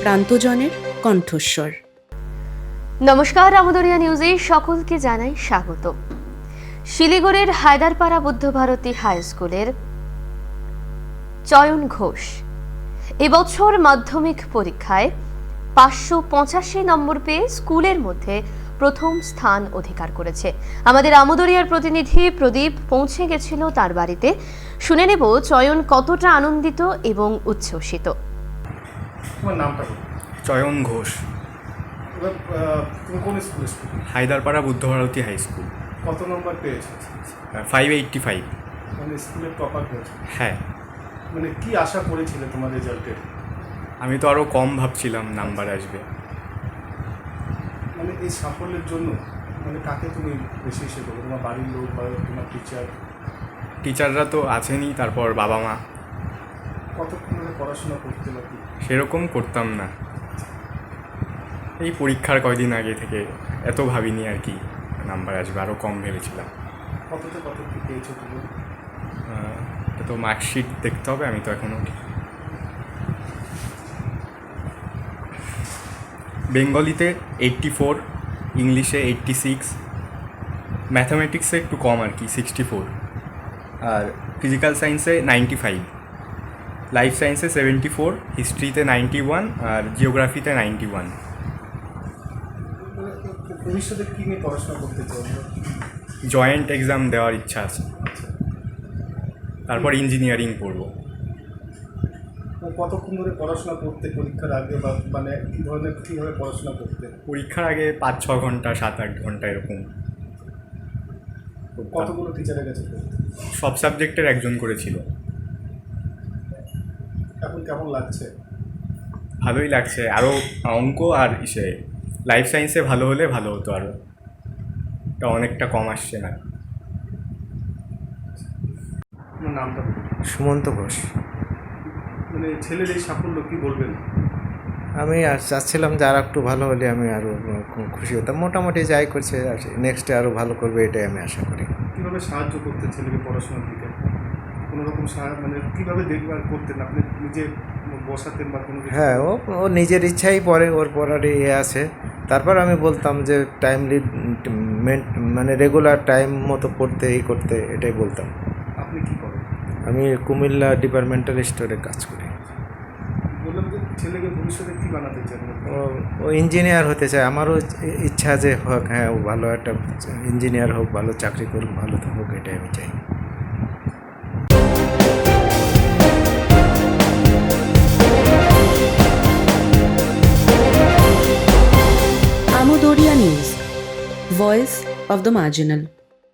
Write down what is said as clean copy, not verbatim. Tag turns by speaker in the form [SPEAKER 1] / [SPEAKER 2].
[SPEAKER 1] প্রান্তজনের কণ্ঠস্বর।
[SPEAKER 2] নমস্কার, আমদরিয়া নিউজে সকলকে জানাই স্বাগত। শিলিগুড়ির হায়দারপাড়া বুদ্ধভারতী হাই স্কুলের চয়ন ঘোষ এবছর মাধ্যমিক পরীক্ষায় 585 নম্বর পেয়ে স্কুলের মধ্যে প্রথম স্থান অধিকার করেছে। আমাদের আমদরিয়ার প্রতিনিধি প্রদীপ পৌঁছে গেছিল তার বাড়িতে। শুনে নেব চয়ন কতটা আনন্দিত এবং উচ্ছ্বসিত।
[SPEAKER 3] তোমার নামটা বলো।
[SPEAKER 4] চয়ন ঘোষ।
[SPEAKER 3] তুমি কোন স্কুলে?
[SPEAKER 4] Haidarpara Buddhabharati high school.
[SPEAKER 3] কত নম্বর পেয়েছো?
[SPEAKER 4] 585।
[SPEAKER 3] মানে স্কুলের টপার হয়েছে?
[SPEAKER 4] হ্যাঁ।
[SPEAKER 3] মানে কি আশা করেছিলে তোমার রেজাল্টের?
[SPEAKER 4] আমি তো আরও কম ভাবছিলাম নাম্বার আসবে।
[SPEAKER 3] মানে এই সাফল্যের জন্য মানে কাকে তুমি বেশি ইসে করো? তোমার বাড়ির লোক বা তোমার
[SPEAKER 4] টিচাররা তো আছেনই, তারপর বাবা মা।
[SPEAKER 3] কতক্ষণ ধরে পড়াশোনা করতে পারি?
[SPEAKER 4] সেরকম করতাম না, এই পরীক্ষার কয়দিন আগে থেকে এত ভাবিনি আর কি নাম্বার আসবে, আরও কম ভেবেছিলাম।
[SPEAKER 3] কততে কত কি পেয়েছো তুমি?
[SPEAKER 4] তো মার্কশিট দেখতে হবে, আমি তো এখনও বেঙ্গলিতে 84, ইংলিশে 86, ম্যাথামেটিক্সে একটু কম আর কি 64, আর ফিজিক্যাল সায়েন্সে 95, লাইফ সায়েন্সে 74, হিস্ট্রিতে 91 আর জিওগ্রাফিতে 91।
[SPEAKER 3] ভবিষ্যতে কী নিয়ে পড়াশোনা করতে চাও?
[SPEAKER 4] জয়েন্ট এক্সাম দেওয়ার ইচ্ছা আছে, তারপর ইঞ্জিনিয়ারিং পড়ব।
[SPEAKER 3] কতক্ষণ ধরে পড়াশোনা করতে পরীক্ষার আগে, বা মানে কীভাবে পড়াশোনা করতে?
[SPEAKER 4] পরীক্ষার আগে 5-6 ঘন্টা, 7-8 ঘন্টা এরকম।
[SPEAKER 3] কতগুলো টিচারের কাছে?
[SPEAKER 4] সব সাবজেক্টের একজন করেছিল।
[SPEAKER 3] এখন কেমন লাগছে?
[SPEAKER 4] ভালোই লাগছে, আরও অঙ্ক আর লাইফ সায়েন্সে ভালো হলে ভালো হতো, আরও এটা অনেকটা কম আসছে না।
[SPEAKER 3] আপনার নামটা?
[SPEAKER 5] সুমন্ত ঘোষ।
[SPEAKER 3] মানে ছেলের এই সাফল্য কী বলবেন?
[SPEAKER 5] আমি আর চাচ্ছিলাম যে আর একটু ভালো হলে আমি আরও খুশি হতাম। মোটামুটি যাই করছে, নেক্সটে আরও ভালো করবে এটাই আমি আশা করি।
[SPEAKER 3] কীভাবে সাহায্য করতে ছেলেকে পড়াশোনার দিকে? কোনো রকম মানে কীভাবে দেখভাল করতেন? আপনি নিজে বসাতেন বা কোনো?
[SPEAKER 5] হ্যাঁ, ও নিজের ইচ্ছাই পড়ে, ওর পড়ার আছে। তারপর আমি বলতাম যে টাইমলি মানে রেগুলার টাইম মতো পড়তে করতে, এটাই বলতাম।
[SPEAKER 3] আপনি কী করেন?
[SPEAKER 5] আমি কুমিল্লা ডিপার্টমেন্টাল স্টোরে কাজ করি।
[SPEAKER 3] বললাম যে ছেলেকে ভবিষ্যতে কী বানাতে চান?
[SPEAKER 5] ও ইঞ্জিনিয়ার হতে চায়। আমারও ইচ্ছা যে হোক, হ্যাঁ, ও ভালো একটা ইঞ্জিনিয়ার হোক, ভালো চাকরি করুক, ভালো হোক, এটাই আমি চাই।
[SPEAKER 1] Amdariya news, voice of the marginal.